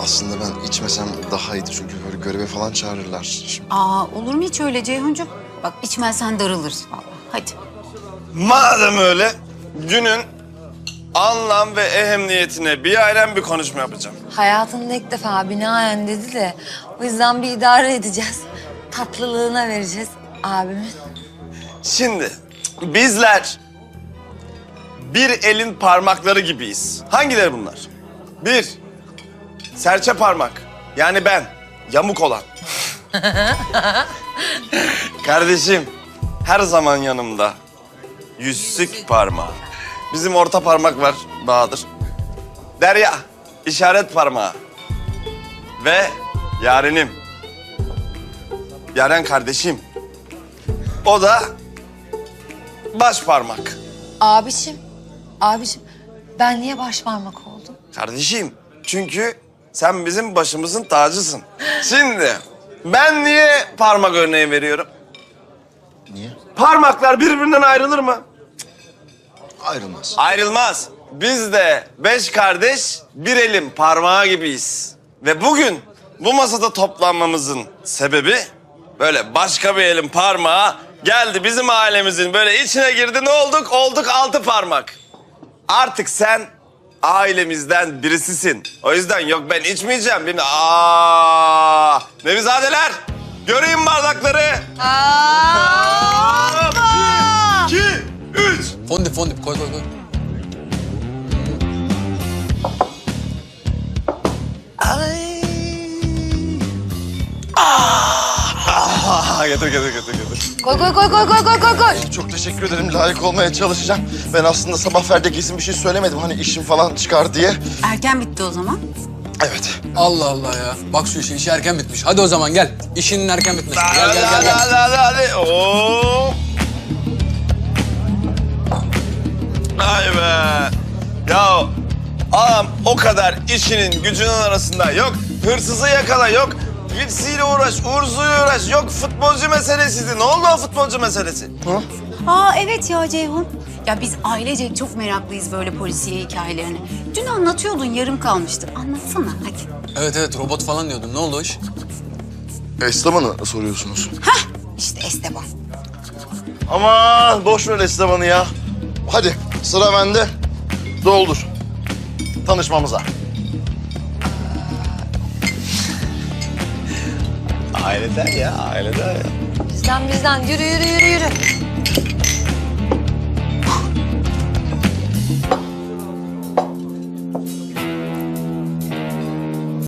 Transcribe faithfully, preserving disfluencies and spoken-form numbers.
aslında ben içmesem daha iyiydi çünkü böyle göreve falan çağırırlar. Şimdi... Aa, olur mu hiç öyle Ceyhuncuğum? Bak içmezsen darılırız vallahi. Hadi. Madem öyle, günün anlam ve ehemmiyetine bir aynen bir konuşma yapacağım. Hayatında ilk defa binaen dedi de o yüzden bir idare edeceğiz. Tatlılığına vereceğiz abimin. Şimdi bizler bir elin parmakları gibiyiz. Hangileri bunlar? Bir, serçe parmak. Yani ben, yamuk olan. Kardeşim, her zaman yanımda. Yüzsük parmağı. Bizim orta parmak var, Bahadır. Derya, işaret parmağı. Ve yarenim. Yaren kardeşim. O da baş parmak. Abişim, abişim ben niye baş parmak oldum? Kardeşim, çünkü sen bizim başımızın tacısın. Şimdi ben niye parmak örneği veriyorum? Niye? Parmaklar birbirinden ayrılır mı? Ayrılmaz. Ayrılmaz. Biz de beş kardeş bir elin parmağı gibiyiz. Ve bugün bu masada toplanmamızın sebebi böyle başka bir elin parmağı geldi bizim ailemizin böyle içine girdi. Ne olduk? Olduk altı parmak. Artık sen ailemizden birisisin. O yüzden yok ben içmeyeceğim. Benim... Aa! Nevizadeler, göreyim bardakları. Aa! Bir, iki, üç. Fondip fondip koy koy koy. Ay. Ah, getir, getir, getir, getir. Koy koy koy koy koy koy koy koy. Çok teşekkür ederim. Layık olmaya çalışacağım. Ben aslında sabah Ferdi kesin bir şey söylemedim. Hani işim falan çıkar diye. Erken bitti o zaman. Evet. Allah Allah ya. Bak şu işi, işi erken bitmiş. Hadi o zaman gel. İşinin erken bitmesi. Gel gel gel Hadi, gel. hadi, hadi, hadi. Oo. Ay be. Ya ağam o kadar işinin gücünün arasında yok hırsızı yakala, yok birisiyle uğraş, uğursuzuyla uğraş, yok futbolcu meselesiydi. Ne oldu o futbolcu meselesi? Ha? Aa evet ya Ceyhun. Ya biz ailecek çok meraklıyız böyle polisiye hikayelerini. Dün anlatıyordun yarım kalmıştı. Anlatsana hadi. Evet evet robot falan diyordun. Ne oldu o iş? Esteban'ı soruyorsunuz. İşte Esteban. Aman boş ver Esteban'ı ya. Hadi sıra bende. Doldur. Tanışmamıza. Aileden ya, aileden ya. Bizden bizden yürü yürü yürü yürü.